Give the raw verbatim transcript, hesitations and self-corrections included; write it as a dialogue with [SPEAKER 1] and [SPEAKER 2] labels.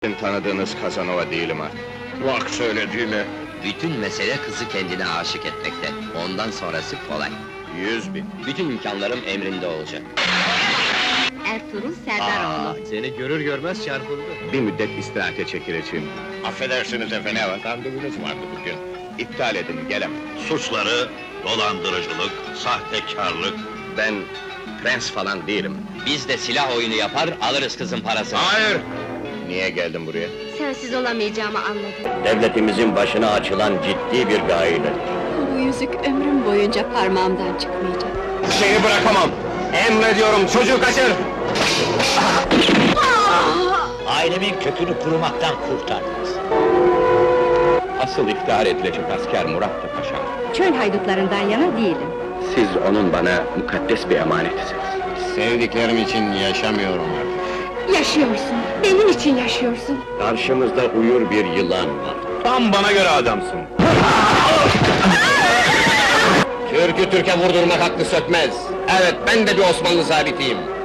[SPEAKER 1] Sizin tanıdığınız Kazanova değilim artık. Bak söylediğine.
[SPEAKER 2] Bütün mesele kızı kendine aşık etmekte. Ondan sonrası kolay.
[SPEAKER 1] Yüz bin.
[SPEAKER 2] Bütün imkanlarım emrinde olacak.
[SPEAKER 3] Ertuğrul Serdaroğlu.
[SPEAKER 2] Seni görür görmez çarpıldı.
[SPEAKER 1] Bir müddet istirahate çekileceğim. Affedersiniz efendim. Ne var? Randevunuz vardı bugün. İptal edin, gelemem.
[SPEAKER 4] Suçları, dolandırıcılık, sahtekarlık...
[SPEAKER 1] Ben prens falan değilim.
[SPEAKER 2] Biz de silah oyunu yapar, alırız kızın parasını.
[SPEAKER 1] Hayır! Niye geldim buraya?
[SPEAKER 3] Sensiz olamayacağımı anladım.
[SPEAKER 1] Devletimizin başına açılan ciddi bir gailedir.
[SPEAKER 3] Bu yüzük ömrüm boyunca parmağımdan çıkmayacak.
[SPEAKER 1] Seni bırakamam! Emrediyorum, çocuğu kaçır!
[SPEAKER 4] Ailemin kökünü kurumaktan kurtardınız.
[SPEAKER 1] Asıl iftihar edilecek asker Murat Paşa'm.
[SPEAKER 3] Çöl haydutlarından yana değilim.
[SPEAKER 1] Siz onun bana mukaddes bir emanetisiniz. Sevdiklerim için yaşamıyorum artık.
[SPEAKER 3] Yaşıyorsun, benim için yaşıyorsun.
[SPEAKER 1] Karşımızda uyur bir yılan var. Tam bana göre adamsın. Türk'ü Türk'e vurdurmak haklı sökmez. Evet, ben de bir Osmanlı zabitiyim.